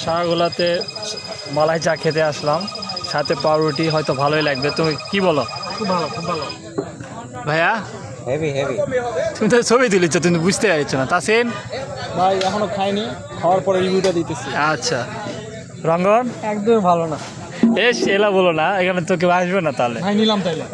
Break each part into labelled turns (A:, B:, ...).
A: শাহগোলাতে মালাই চা খেতে আসলাম, সাথে পাউরুটি, হয়তো ভালোই লাগবে। তুমি কি বলো?
B: খুব ভালো, খুব ভালো
A: ভাইয়া।
C: Heavy heavy.
A: তুমি তো ছবি তুলেছো, তুমি বুঝতে পারছো না। তাসিন
B: ভাই এখনো খাইনি, খাওয়ার পরে রিভিউটা দিতেছি।
A: আচ্ছা, রঙ্গন
B: একদম ভালো না
A: এস এলা বলো না, এখানে তো কেউ আসবে না। তাহলে
B: ভাই, নিলাম তাইলে।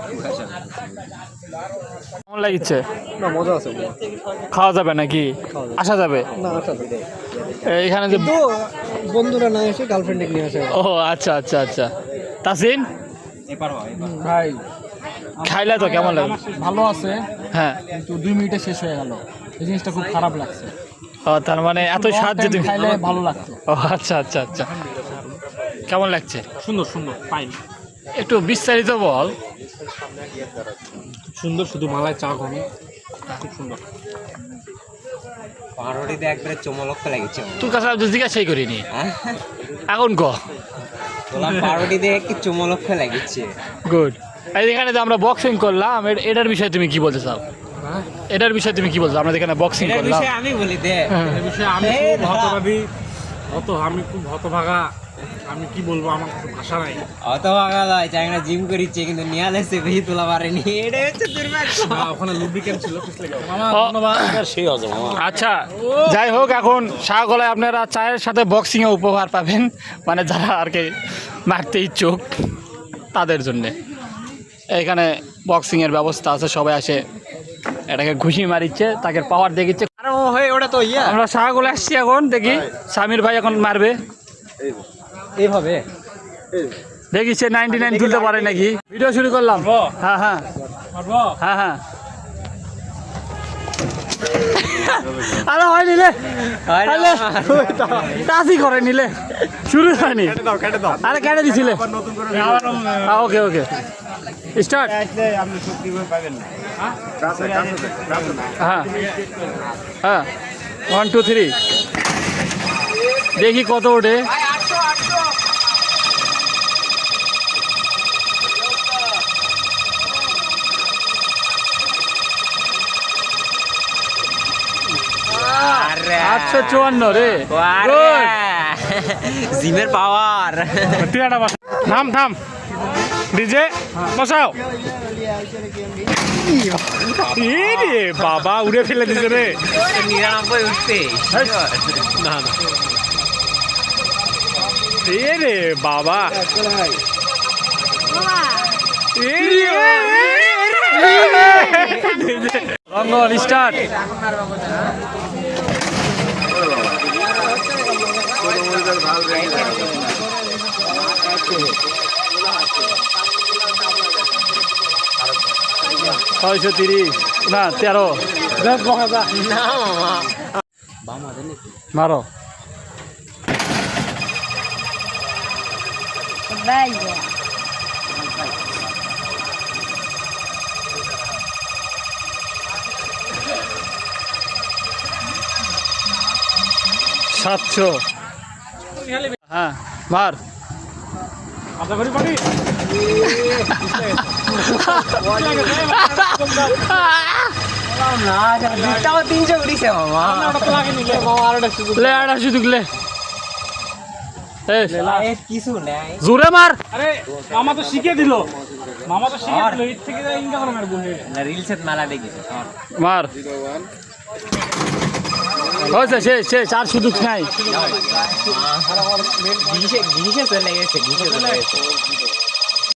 A: কেমন লাগছে?
B: না, মজা আছে।
A: খাওয়া যাবে নাকি? আসা যাবে
B: না, আসলে
A: এখানে যে
B: তো বন্ধুরা না এসে গার্লফ্রেন্ডে নিয়ে আসে।
A: ও আচ্ছা আচ্ছা আচ্ছা। তাসিন
B: ভাই
A: খাইলে তো কেমন লাগে?
B: ভালো আছে,
A: হ্যাঁ।
B: কিন্তু 2 মিনিটে শেষ হয়ে গেল। এই জিনিসটা খুব খারাপ লাগছে।
A: ও তার মানে এত স্বাদ যে তুমি
B: খাইলে ভালো লাগতো।
A: ও আচ্ছা আচ্ছা আচ্ছা। কেমন লাগছে?
B: সুন্দর সুন্দর, ফাইন,
A: একটু বিস্তারিত বল।
B: সুন্দর, শুধু মালাই চা খাবি, খুব সুন্দর।
C: পাউরুটিতে একবারে চমলক্ষ লাগছে।
A: তোর কাছে আমি তো জিজ্ঞাসাই করিনি, এখন ক।
C: তোলা পাউরুটিতে কি চমলক্ষ লাগছে।
A: গুড। এখানে যে আমরা বক্সিং করলাম, এটার বিষয়ে তুমি কি বলতে চাও? এটার বিষয়ে তুমি কি বলছো? আমরা এখানে বক্সিং
C: এটার
A: করলাম।
C: বিষয়ে আমি বলি দে।
B: এই বিষয়ে আমি খুব আমি খুব হতভাগা। আমি কি বলবো, আমার কোনো ভাষা নাই।
C: অত ভাগা লয়, চাইনা জিম করিচ্ছে কিন্তু নিয়ালে সে বেশি তোলা পারেনি। এটা হচ্ছে দুর্ভাগ্য।
B: না, ওখানে লুব্রিকেন্ট ছিল, পিছলে গেল। মামা
A: ও।
B: ধন্যবাদ। সেই হজে মামা।
A: আচ্ছা, যাই হোক, এখন শাহগোলায় আপনারা চায়ের সাথে বক্সিংয়ে উপহার পাবেন, মানে যারা আর কি মারতে ইচ্ছুক তাদের জন্যে এখানে বক্সিংয়ের ব্যবস্থা আছে। সবাই আসে, এটাকে ঘুষি মারিচ্ছে, তাকে পাওয়ার দেখিচ্ছে।
C: আরে ও হয়ে ওটা তো ইয়া
A: আমরা শাহগোলা আসছি, এখন দেখি সামির ভাই এখন মারবে।
C: এইভাবে
A: দেখি সে 99 তুলতে পারে নাকি। ভিডিও শুরু করলাম। হ্যাঁ হ্যাঁ
B: মারবো?
A: হ্যাঁ হ্যাঁ। আরে হয় নিলে, টাচই করে নিলে, শুরু হয়নি। আরে কেটে দিছিলে? Okay okay, start. হ্যাঁ হ্যাঁ, 1 2 3, দেখি কত ওঠে।
C: আরে
A: 854 রে।
C: জিমের পাওয়ার।
A: তুই একটা বসা, থাম থাম, ডিজে বসাও। এই রে বাবা, উড়ে ফেলে দিছে রে।
C: 99 উঠতে
A: না না, এই রে বাবা, রঙ্গন স্টার্ট। ছয়শো 30 না 13।
C: না মামা
A: মারো। সাতশো। হ্যাঁ মার।
B: আশা করি পারি।
C: না, দুটাও 300 উঠিছে মামা।
B: ওটা তো লাগেনি লে মামা, আর একটা সুযোগ।
A: লে আর সুযোগ লে।
C: এ কিছু নাই।
A: জোরে মার।
B: আরে মামা তো শিখে দিল, মামা তো শিখে দিল। এর থেকে ইনকাম করে মারবো।
C: না রিলসের মেলা দেখিছে।
A: মার। হয়েছে, শেষ শেষ, আর সুযোগ নাই।
C: ঘিসে চলে গেছে, ঘিসে চলে গেছে।